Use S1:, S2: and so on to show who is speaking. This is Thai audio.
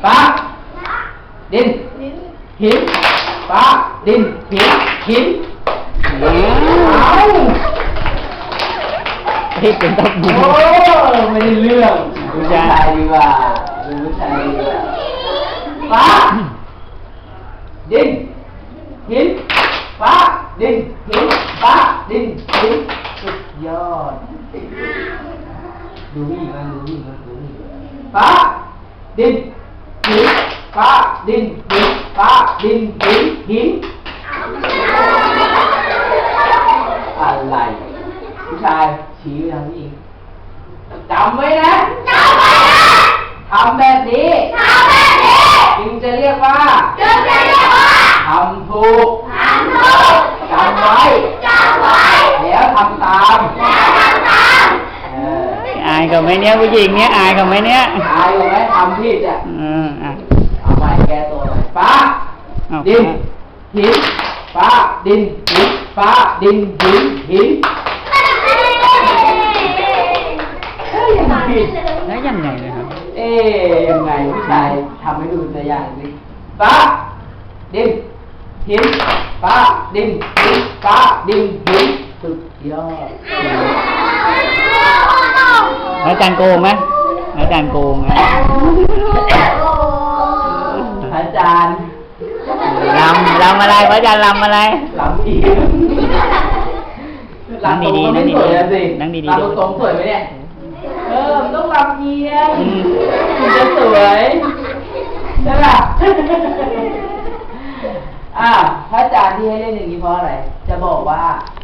S1: ฟ้าดินหินฟ้าดินหินเอา
S2: ที่เป็นตบมือ
S1: โอ้ไม่ได้เรื่องดูผู้ชายดีกว่าดูผู้ชายดีกว่าฟ้าดินหินฟ้าดินหินฟ้าดินหินสุดยอดดูอีกมั้ยดูอีกฟ้าดินหินฟ้าดินหินฟ้าดินหินอะไรผู้ชายชี้ไปทางผู้หญิงจำไว้นะทำแบบนี้จึงจะเรียกว่าทำถูกจำไว้แล้วทำตาม
S2: อายกับไหมเนี้ยผู้หญิงเนี้ยอายกับไหมเนี้ย
S1: อายอยู่ไหมทำผิดอ่ะเอาใหม่แก้ตัวหน่อยฟ้าดินหินฟ้าดินหินฟ้าดินหินยังผิด
S2: แล้วยังไงเลยครับ
S1: ยังไงผู้ชายทำให้ดูตัวอย่างสิฟ้าดินหินฟ้าดินหินฟ้าดินหินสุดยอด
S2: แล้วอาจารย์โกงไหมอาจารย์โกงไหม
S1: อาจารย์
S2: ลำอะไรอาจารย์ลำอะไร
S1: ลำอีกลำดีๆนั่งดีๆนั่งดีๆลำตรงสวยไหมเนี่ยมันต้องลำเอียงถึงจะสวยใช่ป่ะพระอาจารย์ที่ให้เล่นอย่างนี้เพราะอะไรจะบอกว่า